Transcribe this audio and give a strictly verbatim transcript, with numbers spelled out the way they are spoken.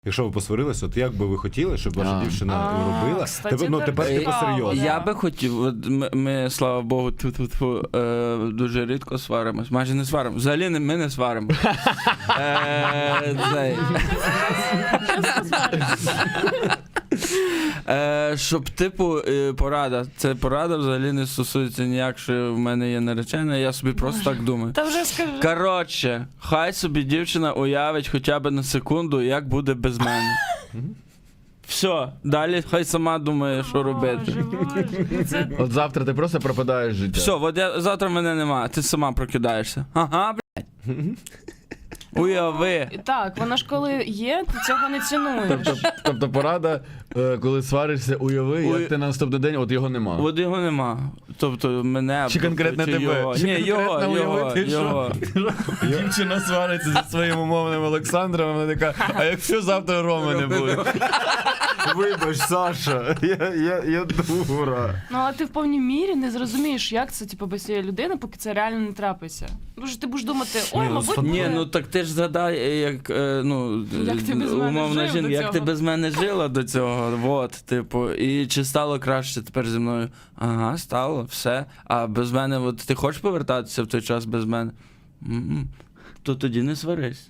Якщо ви посварилися, от як би ви хотіли, щоб ваша А. дівчина А, робила? кстати, Тепер, ну, це тепер типу цікаво, серйозно. да. Я би хотів, от ми, ми слава Богу, тьфу-тьфу-тьфу, е, дуже рідко сваримось, майже не сваримо. Взагалі не- ми не сваримо. Е, цей. Е, щоб, типу, е, порада. Це порада взагалі не стосується ніяк, що в мене є наречена, я собі просто так думаю. Та вже скажи. Коротше, хай собі дівчина уявить хоча б на секунду, як буде без мене. Все, далі хай сама думає, що робити. Боже, Боже, це... От завтра ти просто пропадаєш з життя. Все, от я, завтра мене нема, ти сама прокидаєшся. Ага, блядь. Уяви. Так, вона ж коли є, ти цього не цінуєш. Тобто, тобто порада, е, коли сваришся, уяви, Уй- як ти на наступний день, от його нема. От його нема. Тобто мене... Чи конкретно чи тебе? Його. Чи Ні, його, конкретно його, уявити, що? його. Дівчина свариться зі своїм умовним Олександром, вона така, а якщо завтра Роми не буде? Вибач, Саша, я, я, я дура. Ну, але ти в повній мірі не зрозумієш, як це, типу, без цієї людини, поки це реально не трапиться. Тому що ти будеш думати, ой, Ну, мабуть, Ні, буде. ну так ти ж згадай, як, е, ну, Як ти без мене умовна жив жінка, до як ти цього? без мене жила до цього, от, типу, і чи стало краще тепер зі мною? Ага, стало, все. А без мене, от ти хочеш повертатися в той час без мене? М-м. То тоді не сварись.